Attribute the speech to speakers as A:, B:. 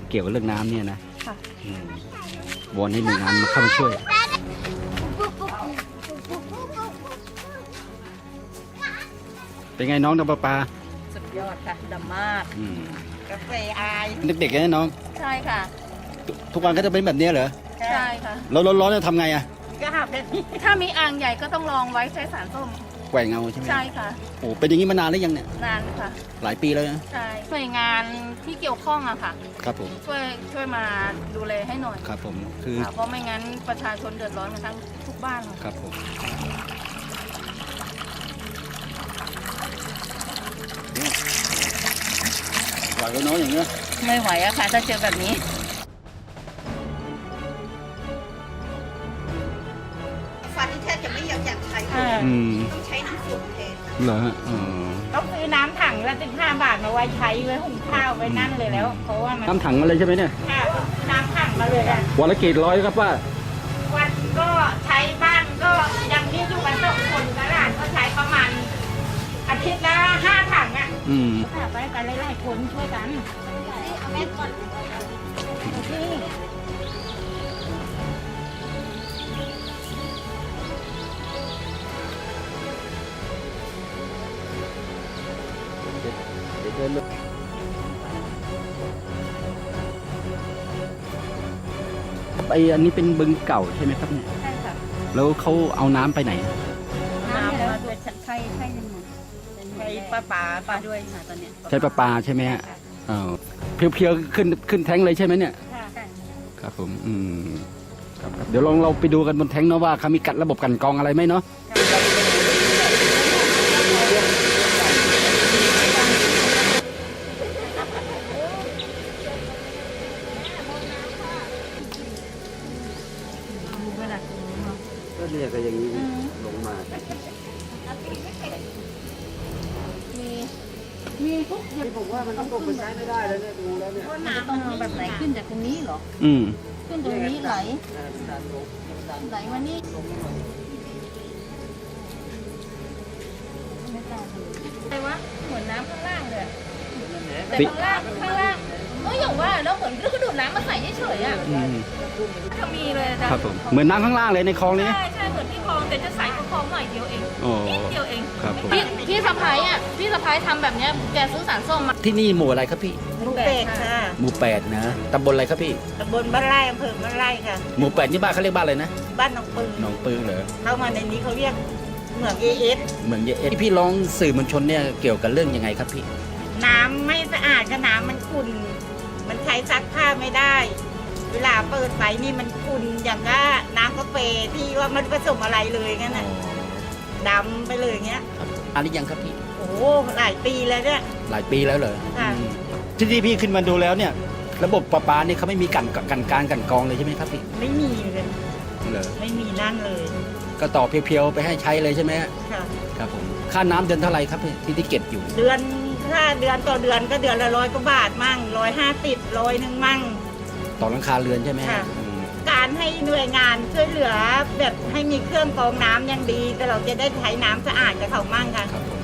A: เกี่ยวกับเรื่องน้ำเนี่ยนะ
B: ค่ะ
A: วอนให้หน่วยงานมาเข้ามาช่วยเป็นไงน้องน้ำประปา
B: สุดยอดค่ะดำมาก กาแฟอาย
A: เด็กๆนะน้อง
B: ใช่ค่ะ
A: ทุกวันก็จะเป็นแบบนี้เหรอ
B: ใช่ค่ะ
A: แล้วร้อนๆจะทำไงอะ
B: ก็หาแบบนี้ถ้ามีอ่างใหญ่ก็ต้องลองไว้ใช้สารส้ม
A: แกว่งเอาใช่ไหม
B: ใช่ค่ะ
A: โอ้เป็นอย่างนี้มานานหรือยังเนี่ย
B: นานค่ะ
A: หลายปีแล้วนะ
B: ใช่หน่วยงานที่เกี่ยวข้องอะค่ะ
A: ครับผม
B: ช่วยมาดูแลให้หน่อย
A: ครับผมคือ
B: ค่ะเพราะไม่งั้นประชาชนเดือดร้อนกันทั้งทุกบ้านเลย
A: ครับผมไหวแล้วน้องอย่างเงี้ย
B: ไม่ไหวอะค่ะถ้าเจอแบบนี้
C: ฟันนี่แทบจะไม่อยากใช้เลย ต้องใช้น้ำซุปแทน
A: เหรอฮะอ๋อ
D: ต้องซื้อน้ำถังละ15 บาทมาไว้ใช้ไว้หุงข้าวไว้นั่นเลยแล้ว เพราะว่ามัน
A: น้ำถังมาเลยใช่ไหมเนี่ย
D: ค่ะน้ำถังมาเลยอะ
A: วันละกี่ร้อยครับป้า
D: วันก็ใช้บ้านก็ยังนี่อยู่กัน2 คนตลาดก็ใช้ประมาณอาทิตย์ละ5 ถังอ่ะ
A: อืม
D: ค่ะไปกันหลายๆคนช่วยกันเอาแม่ก่อนที่
A: ไออันนี้เป็นบึงเก่าใช่ไหมครับเนี่ย
B: ใช่ค่ะ
A: แล้วเขาเอาน้ำไปไหน
B: น้ำมาด้วยใช่ใช่หนึ่ง
D: ใช้ป้าป๋า
B: ปลาด้วยค่ะตอนเนี้ย
A: ใช้ประปาใช่ไหมฮะเพียวๆขึ้นแท้งเลยใช่ไหมเนี่ย
D: ค่ะ
A: ครับผม ครับเดี๋ยวลองเราไปดูกันบนแท้งเนาะว่าเขามีกัดระบบกันกรองอะไรไหมเนาะ
B: ดูเวลา
A: ก็เนี่ยก็อย่างนี้ลงมา
B: มีทุกอย่าง
A: ผมว่ามันต้องไปใช้ไม่ได้แล้วเนี่ยดูแล้วเนี่ย
B: มันจะต้องเอาแบบไหนขึ้นจากตรงนี้เหรอ
A: อืม
B: ขึ้นตรงนี้ไหลไหลมานี่อะไรวะเหมือนน้ำข้างล่างเลยอะแต่ข้างล่างอย่างว่าแล้วเหมือนก็ดูดน้ำมาใส่เฉยๆอ่ะ
A: อืม
B: จะมีเลยนะครับ
A: ผมเหมือนน้ำข้างล่างเลยในคลองนี้
B: ใช่ใช่เหมือนที่คลองแต่จะใส่กว่าคลองหน่อยเดียวเอง
A: โอ้
B: นิดเดียวเอง
A: ครับผม
B: พี่สะพ้ายอ่ะพี่สะพ้ายทำแบบเนี้ยแกซื้อสารส้มมา
A: ที่นี่หมู่อะไรครับพี่
D: หมูเป็ดค่ะ
A: หมู่8นะตำบลอะไรครับพี่
D: ตำบลบ้านไร่อำเภอบ้านไร่ค่ะ
A: หมู่8นี่บ้านเขาเรียกบ้านอะไรนะ
D: บ้านหนองปืน
A: หนองปือเหรอ
D: เข้ามาในนี้เขาเรียกเหมืองเอส
A: เหมือนเยอะพี่ร้องสื่อมวลชนเนี่ยเกี่ยวกับเรื่องยังไงครับพี่
D: น้ำไม่สะอาดก็น้ำมันขุ่นมันใช้ซักผ้าไม่ได้ เวลาเปิดไฟนี่มันขุ่นอย่างก็น้ำกาแฟที่ว่ามันผสมอะไรเลยงั้นน่ะดำไปเลยเงี้ย
A: อันนี้ยังครับพี่
D: โอ้โหหลายปีแล้วเนี่ย
A: หลายปีแล้วเหรอ
D: ค่ะ
A: ที่พี่ขึ้นมาดูแล้วเนี่ย ระบบประปาเนี่ยเขาไม่มีกันกรองเลยใช่ไหมครับพี่
D: ไม่มีเลย
A: เหรอ
D: ไม่มีนั่นเลย
A: ก็ต่อเพียวๆไปให้ใช้เลยใช่ไหมฮะ
D: ค่ะ
A: ครับผมค่าน้ำเดือนเท่าไหร่ครับพี่ที่เก็บอยู่
D: เดือนถ้าเดือนต่อเดือนก็เดือนละ100 กว่าบาทมั่ง150 100มั่ง
A: ต่อหลังคาเรือนใช่ไหมฮะ
D: ค่ะ การให้หน่วยงานช่วยเหลือแบบให้มีเครื่องกรองน้ำยังดีก็เราจะได้ใช้น้ำสะอาดกับเขามั่งค่ะ
A: ครับผม